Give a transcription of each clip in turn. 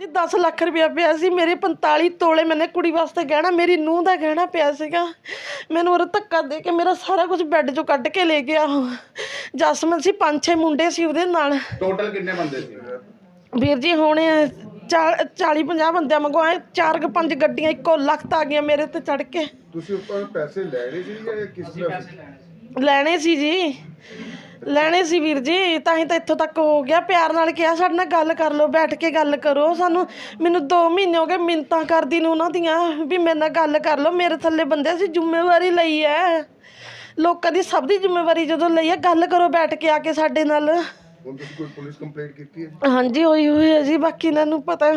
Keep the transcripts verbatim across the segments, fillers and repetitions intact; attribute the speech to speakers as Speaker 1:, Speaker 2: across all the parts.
Speaker 1: जी दस लाख रुपया पिया सी मेरे पैंताली तोले मैंने कुड़ी वास्ते गहना मेरी नूंह का गहना पिया सीगा मैंने और धक्का दे के मेरा सारा कुछ बैड चों कढ़ के ले गया। जसमन सी पांच छे मुंडे सी उहदे नाल।
Speaker 2: टोटल कितने बंदे सी?
Speaker 1: वीर जी होने चार चाली पंजाह बंदे मंगवाए चार क पंज गड्डियां इक्को लखत आ गई मेरे ते चढ़ के।
Speaker 3: ਤੁਸੀਂ ਉੱਪਰ ਪੈਸੇ ਲੈਣੇ ਸੀ ਜਾਂ ਕਿਸ ਤਰ੍ਹਾਂ
Speaker 1: ਲੈਣੇ ਸੀ ਜੀ ਲੈਣੇ ਸੀ ਵੀਰ ਜੀ ਤਾਂ ਹੀ ਤਾਂ ਇੱਥੋਂ ਤੱਕ ਹੋ ਗਿਆ। ਪਿਆਰ ਨਾਲ ਕਿਹਾ ਸਾਡੇ ਨਾਲ ਗੱਲ ਕਰ ਲਓ ਬੈਠ ਕੇ ਗੱਲ ਕਰੋ। ਸਾਨੂੰ ਮੈਨੂੰ ਦੋ ਮਹੀਨੇ ਹੋ ਗਏ ਮਿੰਨਤਾਂ ਕਰਦੀ ਨੂੰ ਉਹਨਾਂ ਦੀਆਂ ਵੀ ਮੇਰੇ ਨਾਲ ਗੱਲ ਕਰ ਲਓ। ਮੇਰੇ ਥੱਲੇ ਬੰਦੇ ਅਸੀਂ ਜ਼ਿੰਮੇਵਾਰੀ ਲਈ ਹੈ ਲੋਕਾਂ ਦੀ ਸਭ ਦੀ ਜ਼ਿੰਮੇਵਾਰੀ ਜਦੋਂ ਲਈ ਹੈ ਗੱਲ ਕਰੋ ਬੈਠ ਕੇ ਆ ਕੇ ਸਾਡੇ ਨਾਲ।
Speaker 3: ਹੁਣ ਤੁਸੀਂ ਕੋਈ ਪੁਲਿਸ ਕੰਪਲੇਂਟ ਕੀਤੀ ਹੈ?
Speaker 1: ਹਾਂਜੀ ਹੋਈ ਹੋਈ ਹੈ ਜੀ ਬਾਕੀ ਇਹਨਾਂ ਨੂੰ ਪਤਾ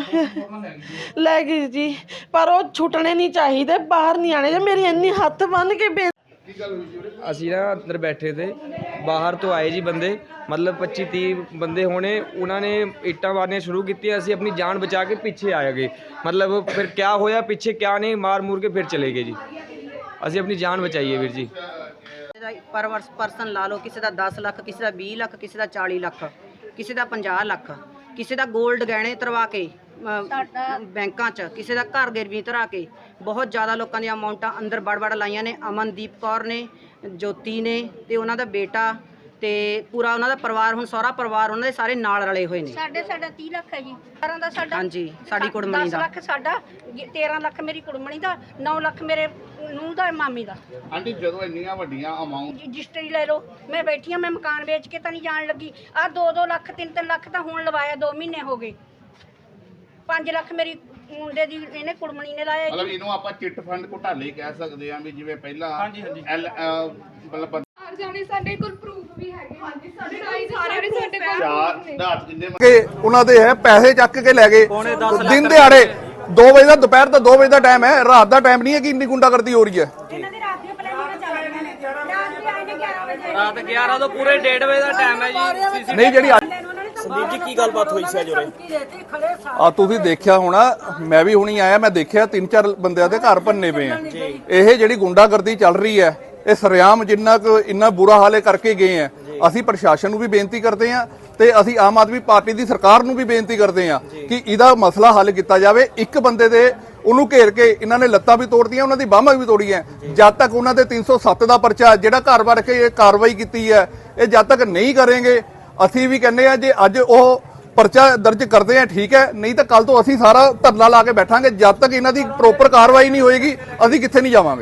Speaker 1: ਲੈ ਗਈ ਜੀ ਪਰ ਉਹ ਛੁੱਟਣੇ ਨਹੀਂ ਚਾਹੀਦੇ ਬਾਹਰ ਨਹੀਂ ਆਣੇ। ਮੇਰੀ ਇੰਨੀ ਹੱਥ ਬੰਨ੍ਹ ਕੇ ਬੇ
Speaker 4: ਅਸੀਂ ਨਾ ਅੰਦਰ ਬੈਠੇ थे ਬਾਹਰ ਤੋਂ ਆਏ ਜੀ ਬੰਦੇ मतलब पच्ची तीह बंदे होने उन्होंने ਇੱਟਾਂ मारनियां शुरू की। ਅਸੀਂ अपनी जान बचा के पिछे आ गए मतलब फिर क्या होया पिछे क्या नहीं मार मूर के फिर चले गए जी। ਅਸੀਂ अपनी जान बचाई है वीर जी।
Speaker 5: पर परसन ला लो किसी का दस लख किसी का भी लख किसी का चाली लख किसी का पंजाह लख किसी का गोल्ड गहने तरवा के ਬੈਂਕਾਂ 'ਚ ਕਿਸੇ ਦਾ ਘਰ ਗਿਰਵੀ ਧਰਾ ਕੇ ਬਹੁਤ ਜ਼ਿਆਦਾ ਲੋਕਾਂ ਦੀਆਂ ਅਮਾਉਂਟਾਂ ਅੰਦਰ ਵੜ ਵੜ ਲਾਈਆਂ ਨੇ। ਅਮਨਦੀਪ ਕੌਰ ਨੇ ਜੋਤੀ ਨੇ ਤੇ ਉਹਨਾਂ ਦਾ ਬੇਟਾ ਤੇ ਪੂਰਾ ਉਹਨਾਂ ਦਾ ਪਰਿਵਾਰ ਹੁਣ ਸਹੁਰਾ ਪਰਿਵਾਰ ਉਹਨਾਂ ਦੇ ਸਾਰੇ ਨਾਲ ਰਲੇ ਹੋਏ ਨੇ।
Speaker 6: ਸਾਡੇ ਸਾਡਾ ਤੀਹ ਲੱਖ ਹੈ ਜੀ ਸਾਰਿਆਂ ਦਾ ਸਾਡਾ।
Speaker 5: ਹਾਂਜੀ ਸਾਡੀ ਕੁੜਮਣੀ ਦਾ
Speaker 6: ਦਸ ਲੱਖ ਸਾਡਾ ਤੇਰਾਂ ਲੱਖ ਮੇਰੀ ਕੁੜਮਣੀ ਦਾ ਨੌ ਲੱਖ ਮੇਰੇ ਨੂੰਹ ਦਾ ਮਾਮੀ ਦਾ।
Speaker 2: ਆਂਟੀ ਜਦੋਂ ਇੰਨੀਆਂ ਵੱਡੀਆਂ ਅਮਾਉਂਟ
Speaker 6: ਰਜਿਸਟਰੀ ਲੈ ਲਓ ਮੈਂ ਬੈਠੀ ਹਾਂ ਮੈਂ ਮਕਾਨ ਵੇਚ ਕੇ ਤਾਂ ਨਹੀਂ ਜਾਣ ਲੱਗੀ। ਆਹ ਦੋ ਦੋ ਲੱਖ ਤਿੰਨ ਤਿੰਨ ਲੱਖ ਤਾਂ ਹੁਣ ਲਵਾਇਆ ਦੋ ਮਹੀਨੇ ਹੋ ਗਏ। ਪੰਜ ਲੱਖ ਮੇਰੀ ਮੁੰਡੇ ਦੀ ਇਹਨੇ ਕੁੜਮਣੀ ਨੇ ਲਾਇਆ।
Speaker 2: ਮਤਲਬ ਇਹਨੂੰ ਆਪਾਂ ਚਿੱਟ ਫੰਡ ਘੁਟਾਲੇ ਕਹਿ ਸਕਦੇ ਆਂ ਵੀ ਜਿਵੇਂ ਪਹਿਲਾਂ ਹਾਂਜੀ ਹਾਂਜੀ ਐਲ ਮਤਲਬ
Speaker 7: ਜਾਣੇ ਸਾਡੇ ਕੋਲ ਪ੍ਰੂਫ ਵੀ ਹੈਗੇ। ਹਾਂਜੀ ਸਾਡੇ ਸਾਰੇ ਸਾਡੇ ਕੋਲ
Speaker 2: ਚਾਰ ਰਾਤ ਜਿੰਨੇ
Speaker 8: ਕਿ ਉਹਨਾਂ ਦੇ ਹੈ ਪੈਸੇ ਚੱਕ ਕੇ ਲੈ ਗਏ ਦਿਨ ਦਿਹਾੜੇ ਦੋ ਵਜੇ ਦਾ ਦੁਪਹਿਰ ਦਾ ਦੋ ਵਜੇ ਦਾ ਟਾਈਮ ਹੈ ਰਾਤ ਦਾ ਟਾਈਮ ਨਹੀਂ ਹੈ ਕਿ ਇੰਨੀ ਗੁੰਡਾਗਰਦੀ ਹੋ ਰਹੀ ਹੈ।
Speaker 6: ਇਹਨਾਂ ਦੀ ਰਾਤ ਦੀਆਂ ਪਲੈਨਿੰਗਾਂ ਚੱਲ ਰਹੀਆਂ ਨੇ ਰਾਤ ਦੀ ਆਏ ਨੇ ਗਿਆਰਾਂ ਵਜੇ
Speaker 4: ਰਾਤ ਗਿਆਰਾਂ ਤੋਂ ਪੂਰੇ ਡੇਢ ਵਜੇ ਦਾ ਟਾਈਮ ਹੈ ਜੀ।
Speaker 8: ਨਹੀਂ ਜਿਹੜੀ
Speaker 6: ਸੰਦੀਪ ਜੀ ਕੀ ਗੱਲਬਾਤ ਹੋਈ ਸੀ ਜੋਰੇ
Speaker 8: ਆ ਤੁਸੀਂ ਦੇਖਿਆ ਹੋਣਾ ਮੈਂ ਵੀ ਹੁਣੀ ਆਇਆ ਮੈਂ ਦੇਖਿਆ ਤਿੰਨ ਚਾਰ ਬੰਦਿਆਂ ਦੇ ਘਰ ਭੰਨੇ ਪਏ ਆ। ਇਹ ਜਿਹੜੀ ਗੁੰਡਾਗਰਦੀ ਚੱਲ ਰਹੀ ਹੈ ਇਹ ਸਰਿਆਮ ਜਿੰਨਾ ਕੁ ਇੰਨਾ ਬੁਰਾ ਹਾਲੇ ਕਰਕੇ ਗਏ ਆ। ਅਸੀਂ ਪ੍ਰਸ਼ਾਸਨ ਨੂੰ ਵੀ ਬੇਨਤੀ ਕਰਦੇ ਆ ਤੇ ਅਸੀਂ ਆਮ ਆਦਮੀ ਪਾਰਟੀ ਦੀ ਸਰਕਾਰ ਨੂੰ ਵੀ ਬੇਨਤੀ ਕਰਦੇ ਆ ਕਿ ਇਹਦਾ ਮਸਲਾ ਹੱਲ ਕੀਤਾ ਜਾਵੇ। ਇੱਕ ਬੰਦੇ ਦੇ ਉਹਨੂੰ ਘੇਰ ਕੇ ਇਹਨਾਂ ਨੇ ਲੱਤਾਂ ਵੀ ਤੋੜਦੀਆਂ ਉਹਨਾਂ ਦੀ ਬਾਹਾਂ ਵੀ ਤੋੜੀਆਂ। ਜਦ ਤੱਕ ਉਹਨਾਂ ਦੇ ਤਿੰਨ ਸੌ ਸੱਤ ਦਾ ਪਰਚਾ ਜਿਹੜਾ ਘਰ ਵੜ ਕੇ ਇਹ ਕਾਰਵਾਈ ਕੀਤੀ ਹੈ ਇਹ ਜਦ ਤੱਕ ਨਹੀਂ ਕਰਾਂਗੇ ਅਸੀਂ ਵੀ ਕਹਿੰਦੇ ਆ ਜੇ ਅੱਜ ਉਹ ਪਰਚਾ ਦਰਜ ਕਰਦੇ ਆ ਠੀਕ ਹੈ ਨਹੀਂ ਤਾਂ ਕੱਲ ਤੋਂ ਅਸੀਂ ਸਾਰਾ ਧਰਨਾ ਲਾ ਕੇ ਬੈਠਾਂਗੇ। ਜਦ ਤੱਕ ਇਹਨਾਂ ਦੀ ਪ੍ਰੋਪਰ ਕਾਰਵਾਈ ਨਹੀਂ ਹੋਏਗੀ ਅਸੀਂ ਕਿੱਥੇ ਨਹੀਂ ਜਾਵਾਂਗੇ।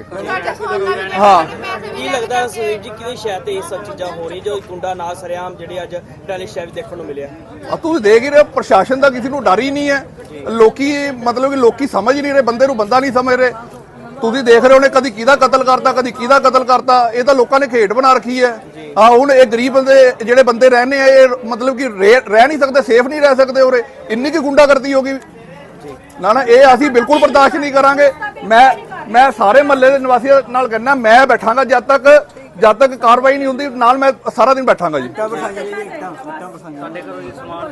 Speaker 8: ਹਾਂ
Speaker 9: ਕੀ ਲੱਗਦਾ ਸੁਦੀਪ ਜੀ ਕਿਹਦੇ ਸ਼ਹਿਰ ਤੇ ਇਹ ਸਭ ਚੀਜ਼ਾਂ ਹੋ ਰਹੀ ਜੋ ਗੁੰਡਾ ਨਾ ਸਰਿਆਮ ਜਿਹੜੇ ਅੱਜ ਟੈਲੀ ਸ਼ਹਿਰ ਦੇਖਣ ਨੂੰ ਮਿਲਿਆ?
Speaker 8: ਆ ਤੁਸੀਂ ਦੇਖ ਹੀ ਰਹੇ ਪ੍ਰਸ਼ਾਸਨ ਦਾ ਕਿਸੇ ਨੂੰ ਡਰ ਹੀ ਨਹੀਂ ਹੈ। ਲੋਕੀ ਮਤਲਬ ਕਿ ਲੋਕੀ ਸਮਝ ਨਹੀਂ ਰਹੇ ਬੰਦੇ ਨੂੰ ਬੰਦਾ ਨਹੀਂ ਸਮਝ ਰਹੇ। ਤੁਸੀਂ ਦੇਖ ਰਹੇ ਹੋਣੇ ਕਦੀ ਕਿਹਦਾ ਕਤਲ ਕਰਤਾ ਕਦੀ ਕਿਹਦਾ ਕਤਲ ਕਰਤਾ। ਇਹ ਤਾਂ ਲੋਕਾਂ ਨੇ ਖੇਡ ਬਣਾ ਰੱਖੀ ਹੈ। ਹਾਂ ਹੁਣ ਇਹ ਗਰੀਬ ਬੰਦੇ ਜਿਹੜੇ ਬੰਦੇ ਰਹਿੰਦੇ ਆ ਇਹ ਮਤਲਬ ਕਿ ਰਹਿ ਨਹੀਂ ਸਕਦੇ ਸੇਫ ਨਹੀਂ ਰਹਿ ਸਕਦੇ ਉਰੇ ਇੰਨੀ ਕੀ ਗੁੰਡਾਗਰਦੀ ਹੋ ਗਈ ਨਾ ਨਾ ਇਹ ਅਸੀਂ ਬਿਲਕੁਲ ਬਰਦਾਸ਼ਤ ਨਹੀਂ ਕਰਾਂਗੇ। ਮੈਂ ਮੈਂ ਸਾਰੇ ਮਹੱਲੇ ਦੇ ਨਿਵਾਸੀਆਂ ਨਾਲ ਕਹਿੰਦਾ ਮੈਂ ਬੈਠਾਂਗਾ ਜਦ ਤੱਕ ਜਦ ਤੱਕ ਕਾਰਵਾਈ ਨਹੀਂ ਹੁੰਦੀ ਨਾਲ ਮੈਂ ਸਾਰਾ ਦਿਨ ਬੈਠਾਂਗਾ ਜੀ।